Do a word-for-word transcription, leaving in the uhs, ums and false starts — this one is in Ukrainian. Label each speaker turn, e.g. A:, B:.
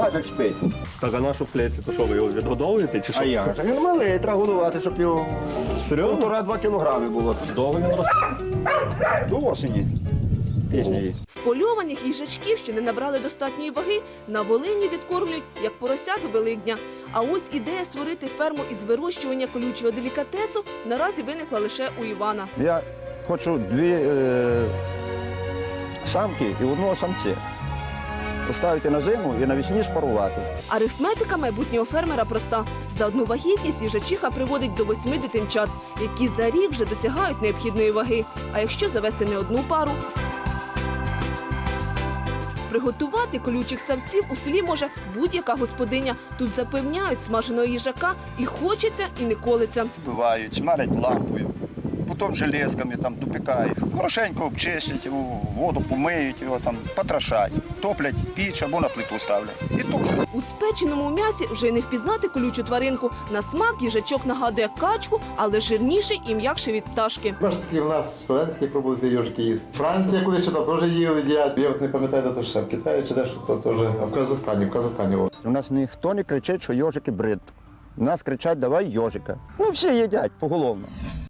A: Язик спить.
B: Так, а нашу в клетці, то що, ви його відгодовуєте чи що?
A: А як? Так він малий, треба годувати, щоб його півтора-два кілограми було. Довго він росте. До осені. Пізньої.
C: Впольованих їжачків, що не набрали достатньої ваги, на Волині відкормлюють як поросят до Великдня. А ось ідея створити ферму із вирощування колючого делікатесу наразі виникла лише у Івана.
A: Я хочу дві е, самки і одного самця. Поставити на зиму і навесні спарувати.
C: Арифметика майбутнього фермера проста. За одну вагітність їжачиха приводить до восьми дитинчат, які за рік вже досягають необхідної ваги. А якщо завести не одну пару? Приготувати колючих самців у селі може будь-яка господиня. Тут запевняють, смаженого їжака і хочеться, і не колиться.
A: Вбивають, смалять лампою, потім железками там допікають. Хорошенько обчистять його, воду помиють його, там, потрошать, топлять піч або на плиту ставлять. І тушать.
C: У спеченому м'ясі вже й не впізнати колючу тваринку. На смак їжачок нагадує качку, але жирніший і м'якший від пташки.
D: Бачите, такі в нас студентські пробують ежики їсти. Франція кудись читав, теж їли, їдять. Я от не пам'ятаю, де то ще в Китаї чи де, що то теж. А в Казахстані, в Казахстані. О.
A: У нас ніхто не кричить, що йожики брид. У нас кричать, давай йожика. Ну всі їдять поголовно.